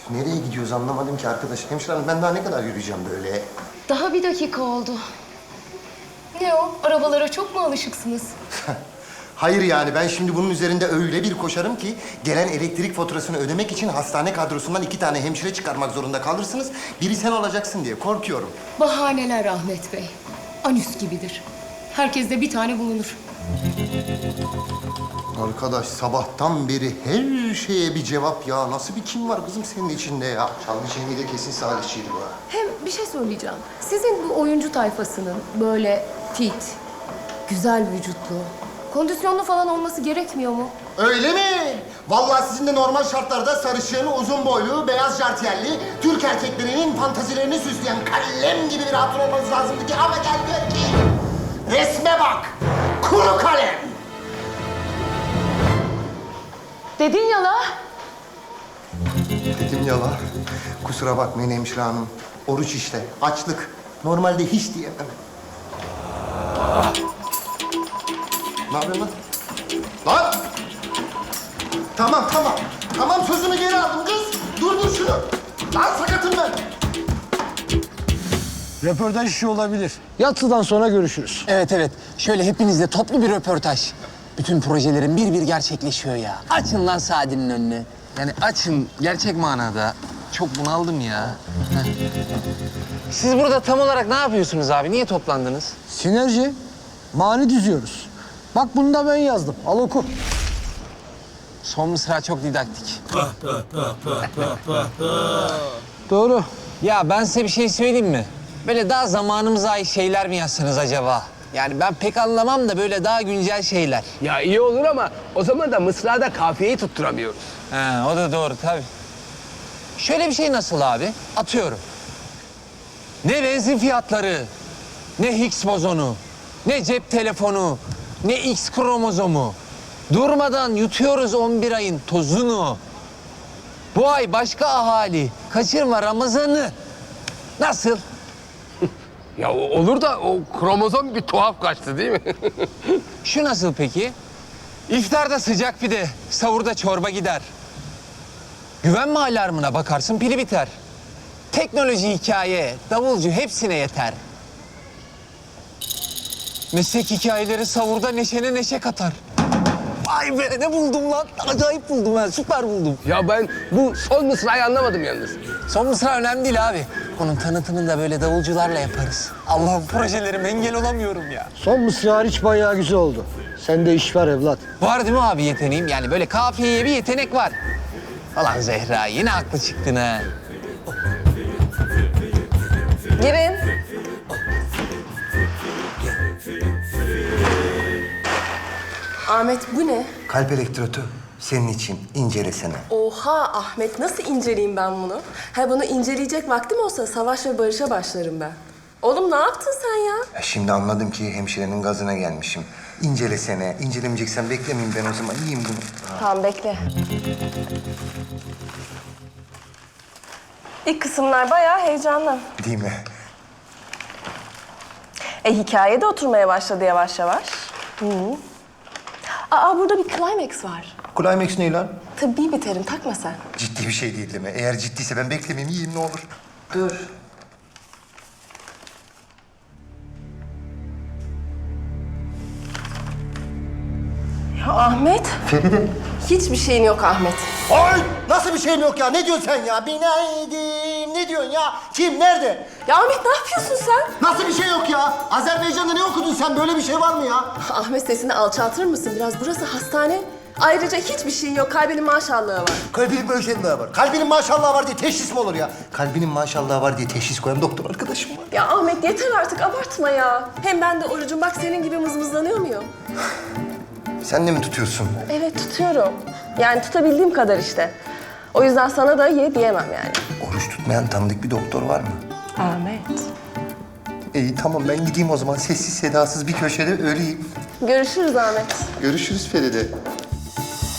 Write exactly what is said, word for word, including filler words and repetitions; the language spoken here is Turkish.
Nereye gidiyoruz anlamadım ki arkadaş. Hemşire hanım ben daha ne kadar yürüyeceğim böyle? Daha bir dakika oldu. Ne o? Arabalara çok mu alışıksınız? Hayır yani ben şimdi bunun üzerinde öyle bir koşarım ki... ...gelen elektrik faturasını ödemek için hastane kadrosundan iki tane hemşire çıkarmak zorunda kalırsınız. Biri sen olacaksın diye korkuyorum. Bahaneler Ahmet Bey. Anüs gibidir. Herkeste bir tane bulunur. Arkadaş sabahtan beri her şeye bir cevap ya. Nasıl bir kim var kızım senin içinde ya? Çalgı Cemil de kesin Salihçiydi bu ha. Hem bir şey söyleyeceğim. Sizin bu oyuncu tayfasının böyle fit, güzel vücutlu, kondisyonlu falan olması gerekmiyor mu? Öyle mi? Vallahi sizin de normal şartlarda sarışın, uzun boylu, beyaz jartiyerli, Türk erkeklerinin fantazilerini süsleyen kalem gibi bir hatun olmanız lazımdı ki ama gel gör ki resme bak, kuru kalem. Dedin ya la. Dedim ya la, kusura bakmayın hemşire hanım. Oruç işte, açlık. Normalde hiç diyemem. Ne yapıyorsun lan? Lan! Tamam, tamam. Tamam, sözümü geri aldım kız. Durdur şunu. Lan sakatım ben. Röportaj işi olabilir. Yatsıdan sonra görüşürüz. Evet evet. Şöyle hepinizle toplu bir röportaj. Bütün projelerin bir bir gerçekleşiyor ya. Açın lan Sadi'nin önünü. Yani açım gerçek manada. Çok bunaldım ya. Heh. Siz burada tam olarak ne yapıyorsunuz abi? Niye toplandınız? Sinerji, mani düzüyoruz. Bak bunu da ben yazdım. Al oku. Son mısra çok didaktik. Doğru. Ya ben size bir şey söyleyeyim mi? Böyle daha zamanımıza ait şeyler mi yazsanız acaba? Yani ben pek anlamam da böyle daha güncel şeyler. Ya iyi olur ama o zaman da mısrada kafiyeyi tutturamıyoruz. He, o da doğru tabii. Şöyle bir şey nasıl abi? Atıyorum. Ne benzin fiyatları, ne Higgs bozonu, ne cep telefonu, ne X kromozomu. Durmadan yutuyoruz on bir ayın tozunu. Bu ay başka ahali, kaçırma Ramazan'ı. Nasıl? Ya o- olur da o kromozom bir tuhaf kaçtı değil mi? Şu nasıl peki? İftarda sıcak pide, sahurda çorba gider. Güvenme alarmına bakarsın pili biter. Teknoloji hikaye, davulcu hepsine yeter. Meslek hikayeleri savurda neşene neşe katar. Vay be ne buldum lan? Acayip buldum ben, süper buldum. Ya ben bu son mısrayı anlamadım yalnız. Son mısra önemli değil abi. Onun tanıtımını da böyle davulcularla yaparız. Allah'ım projelerim engel olamıyorum ya. Son mısra hariç bayağı güzel oldu. Sende iş var evlat. Var değil mi abi yeteneğim? Yani böyle kafiyeye bir yetenek var. Falan Zehra yine haklı çıktın ha. Girin. Ahmet bu ne? Kalp elektrotu senin için incelesene. Oha Ahmet nasıl inceleyeyim ben bunu? Ha bunu inceleyecek vaktim olsa savaş ve barışa başlarım ben. Oğlum ne yaptın sen ya? Ya şimdi anladım ki hemşirenin gazına gelmişim. İncelesene, incelemeyeceksen beklemeyeyim ben o zaman. Yiyeyim bunu. Tamam bekle. İlk kısımlar bayağı heyecanlı. Değil mi? E hikaye de oturmaya başladı yavaş yavaş. Hı. Aa burada bir climax var. Climax ne lan? Tıbbi bir terim takma sen. Ciddi bir şey değil değil mi? Eğer ciddiyse ben beklemeyeyim, yiyeyim ne olur. Dur. Ya Ahmet. Feride. Hiçbir şeyin yok Ahmet. Ay! Nasıl bir şeyim yok ya? Ne diyorsun sen ya? Binaydim. Ne diyorsun ya? Kim? Nerede? Ya Ahmet ne yapıyorsun sen? Nasıl bir şey yok ya? Azerbaycan'da ne okudun sen? Böyle bir şey var mı ya? Ahmet sesini alçaltır mısın biraz? Burası hastane. Ayrıca hiçbir şeyin yok. Kalbinin maşallahı var. Kalbinin maşallahı var. Kalbinin maşallahı var diye teşhis mi olur ya? Kalbinin maşallahı var diye teşhis koyan doktor arkadaşım var. Ya Ahmet yeter artık abartma ya. Hem ben de orucum. Bak senin gibi mızmızlanıyor muyum? Sen de mi tutuyorsun? Evet tutuyorum. Yani tutabildiğim kadar işte. O yüzden sana da ye diyemem yani. Oruç tutmayan tanıdık bir doktor var mı? Ahmet. İyi tamam ben gideyim o zaman. Sessiz sedasız bir köşede öleyim. Görüşürüz Ahmet. Görüşürüz Feride.